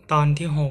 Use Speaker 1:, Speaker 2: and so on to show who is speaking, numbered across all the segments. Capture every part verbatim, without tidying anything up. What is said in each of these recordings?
Speaker 1: ตอนที่หก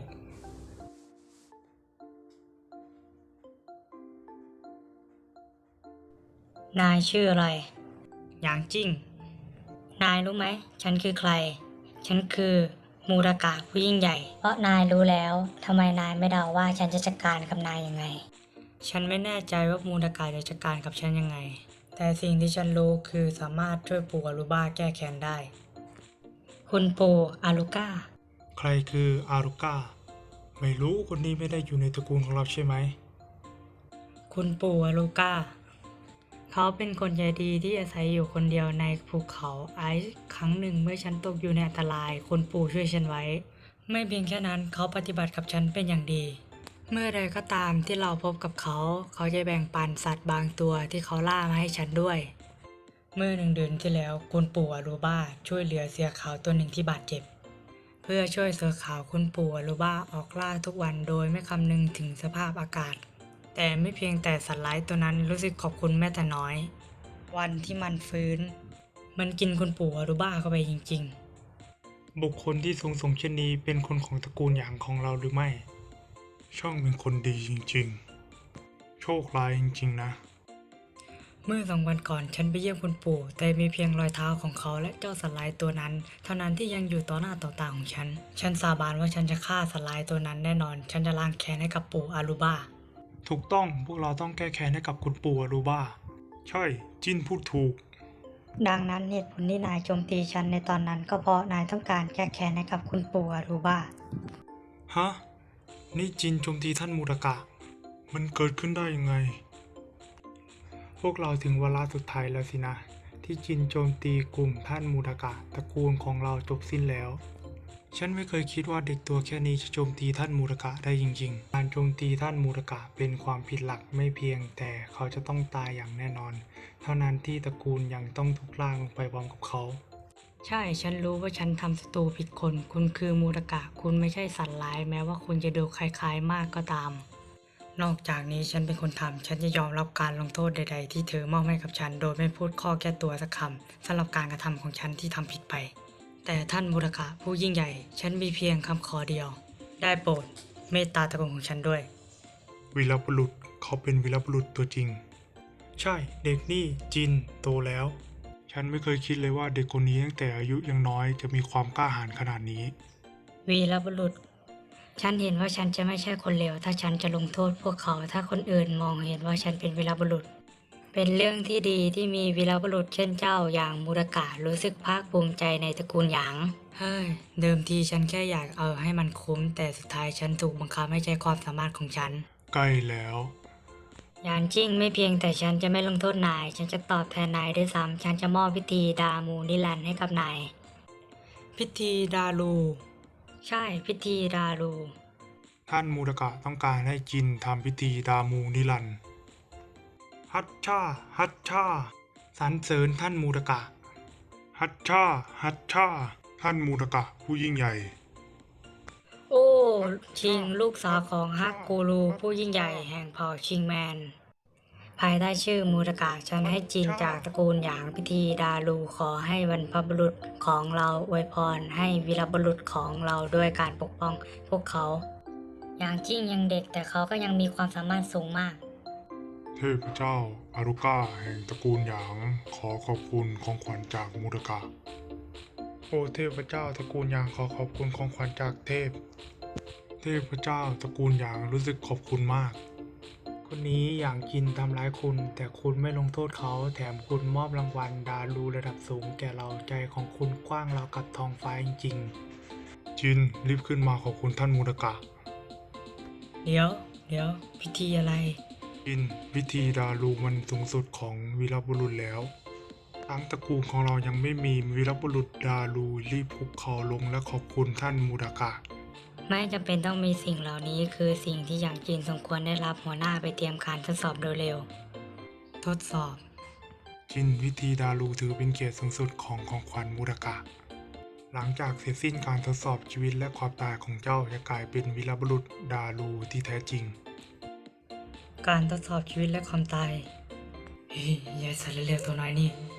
Speaker 2: นายชื่ออะไร
Speaker 1: หยางจิ้ง
Speaker 2: นายรู้ไหมฉันคือใคร ฉันคือมูรากะผู้ยิ่งใหญ่ เพราะนายรู้แล้วทำไมนายไม่เดาว่าฉันจะจัดการกับนายยังไง
Speaker 1: ฉันไม่แน่ใจว่ามูลกาจะจัดการกับฉันยังไง แต่สิ่งที่ฉันรู้คือสามารถช่วยปู่อารุบ้าแก้แค้นได้
Speaker 2: คุณปู่อารุก้า
Speaker 3: ใครคืออารุก้า ไม่รู้คนนี้ไม่ได้อยู่ในตระกูลของเราใช่ไหม
Speaker 1: คุณปู่อารุก้าเขาเป็นคนใจดีที่อาศัยอยู่คนเดียวในภูเขาไอซ์ครั้งหนึ่งเมื่อฉันตกอยู่ในอันตรายคุณปู่ช่วยฉันไว้ ไม่เพียงแค่นั้นเขาปฏิบัติกับฉันเป็นอย่างดี เมื่อใดก็ตามที่เราพบกับเขา เขาจะแบ่งปันสัตว์บางตัวที่เขาล่ามาให้ฉันด้วย เมื่อหนึ่งเดือนที่แล้วคุณปู่อารูบ้าช่วยเหลือเสือขาวตัวหนึ่งที่บาดเจ็บ เพื่อช่วยเสือขาวคุณปู่อารูบ้าออกล่าทุกวันโดยไม่คำนึงถึงสภาพอากาศ แต่ไม่เพียงแต่สัตว์ร้ายตัวนั้นรู้สึกขอบคุณแม้แต่น้อย วันที่มันฟื้น มันกินคุณปู่อารูบ้าเข้าไปจริงๆ
Speaker 3: บุคคลที่สูงส่งเช่นนี้เป็นคนของตระกูลหยางของเราหรือไม่ ช่องเป็นคนดีจริงๆ โชคร้ายจริงๆนะ
Speaker 1: เมื่อสองวันก่อนฉันไปเยี่ยมคุณปู่แต่มีเพียงรอยเท้าของเขาและเจ้าสัตว์ร้ายตัวนั้นเท่านั้นที่ยังอยู่ต่อหน้าต่อตาของฉัน ฉันสาบานว่าฉันจะฆ่าสัตว์ร้ายตัวนั้นแน่นอน ฉันจะล้างแค้นให้กับปู่อารูบ้า
Speaker 3: ถูกต้องพวกเราต้องแก้แค้นให้กับคุณปู่อารูบ้า ใช่ จินพูดถูก
Speaker 2: ดังนั้นเหตุผลที่นายโจมตีฉันในตอนนั้นก็เพราะนายต้องการแก้แค้นให้กับคุณปู่อารุบ้า
Speaker 3: ฮะ นี่จินโจมตีท่านมูรากะ มันเกิดขึ้นได้ยังไง พวกเราถึงเวลาสุดท้ายแล้วสินะ ที่จินโจมตีกลุ่มท่านมูรากะตระกูลของเราจบสิ้นแล้ว ฉันไม่เคยคิดว่าเด็กตัวแค่นี้จะโจมตีท่านมูรากะได้จริงๆ การโจมตีท่านมูรากะเป็นความผิดหลักไม่เพียงแต่เขาจะต้องตายอย่างแน่นอน เท่านั้นที่ตระกูลยังต้องถูกล่างลงไปพร้อมกับเขา
Speaker 1: ใช่ ฉันรู้ว่าฉันทำศัตรูผิดคน คุณคือมูรากะ คุณไม่ใช่สัตว์ร้ายแม้ว่าคุณจะดูคล้ายๆมากก็ตาม นอกจากนี้ฉันเป็นคนทำ ฉันจะยอมรับการลงโทษใดๆที่เธอมอบให้กับฉัน โดยไม่พูดข้อแก้ตัวสักคำสำหรับการกระทำของฉันที่ทำผิดไป แต่ท่านมูรากะผู้ยิ่งใหญ่ ฉันมีเพียงคำขอเดียว ได้โปรดเมตตาตระกูลของฉันด้วย
Speaker 3: วีรบุรุษเขาเป็นวีรบุรุษตัวจริง ใช่เด็กนี่จินโตแล้ว ฉันไม่เคยคิดเลยว่าเด็กคนนี้ตั้งแต่อายุยังน้อยจะมีความกล้าหาญขนาดนี้
Speaker 2: วีรบุรุษ ฉันเห็นว่าฉันจะไม่ใช่คนเลวถ้าฉันจะลงโทษพวกเขาถ้าคนอื่นมองเห็นว่าฉันเป็นวีรบุรุษ เป็นเรื่องที่ดีที่มีวีรบุรุษเช่นเจ้าอย่างมูรากะรู้สึกภาคภูมิใจในตระกูลหยาง
Speaker 1: เฮ้ย เดิมทีฉันแค่อยากเอาให้มันคุ้ม แต่สุดท้ายฉันถูกบังคับให้ใช้ความสามารถของฉัน
Speaker 3: ใกล้แล้ว
Speaker 2: ยานจิ้งไม่เพียงแต่ฉันจะไม่ลงโทษนาย ฉันจะตอบแทนนายด้วยซ้ำฉันจะมอบพิธีดามูนิรันดร์ให้กับนาย
Speaker 1: พิธีดารู
Speaker 2: ใช่พิธีดารู
Speaker 3: ท่านมูรากะต้องการให้จินทำพิธีดามูนิรันดร์ฮัตชาฮัตชาสรรเสริญท่านมูรากะ ฮัตชาฮัตชาท่านมูรากะผู้ยิ่งใหญ่
Speaker 2: โอ้ชิงลูกสาวของฮักกูรูผู้ยิ่งใหญ่แห่งเผ่าชิงแมน ภายใต้ชื่อมูรากะฉันให้จีนจากตระกูลหยางพิธีดารูขอให้บรรพบุรุษของเราอวยพรให้วีรบุรุษของเราด้วยการปกป้องพวกเขาหยางจิ้งยังเด็กแต่เขาก็ยังมีความสามารถสูงมาก
Speaker 3: เทพเจ้าอารุก้าแห่งตระกูลหยางขอขอบคุณของขวัญจากมูรากะ โอ้เทพเจ้าตระกูลหยางขอขอบคุณของขวัญจากเทพ เทพเจ้าตระกูลหยางรู้สึกขอบคุณมาก คนนี้อย่างจินทำร้ายคุณ แต่คุณไม่ลงโทษเขาแถมคุณมอบรางวัลดารูระดับสูงแก่เราใจของคุณกว้างราวกับท้องฟ้าจริงๆจินรีบขึ้นมาขอบคุณท่านมูรากะ
Speaker 1: เดี๋ยว เดี๋ยว พิธีอะไร
Speaker 3: จินพิธีดารูมันสูงสุดของวีรบุรุษแล้วทั้งตระกูลของเรายังไม่มีวีรบุรุษดารูรีบคุกเข่าลงและขอบคุณท่านมูรากะ
Speaker 2: ไม่จำเป็นต้องมีสิ่งเหล่านี้คือสิ่งที่หยางจีนสมควรได้รับหัวหน้าไปเตรียมการทดสอบโดยเร็ว
Speaker 1: ทดสอบ
Speaker 3: จินพิธีดารูถือเป็นเกียรติสูงสุดของของขวัญมูรากะ หลังจากเสร็จสิ้นการทดสอบชีวิตและความตายของเจ้าจะกลายเป็นวีรบุรุษดารูที่แท้จริง
Speaker 1: การทดสอบชีวิตและความตายเฮ้ยยายสัตว์เล็กๆตัวน้อยนี่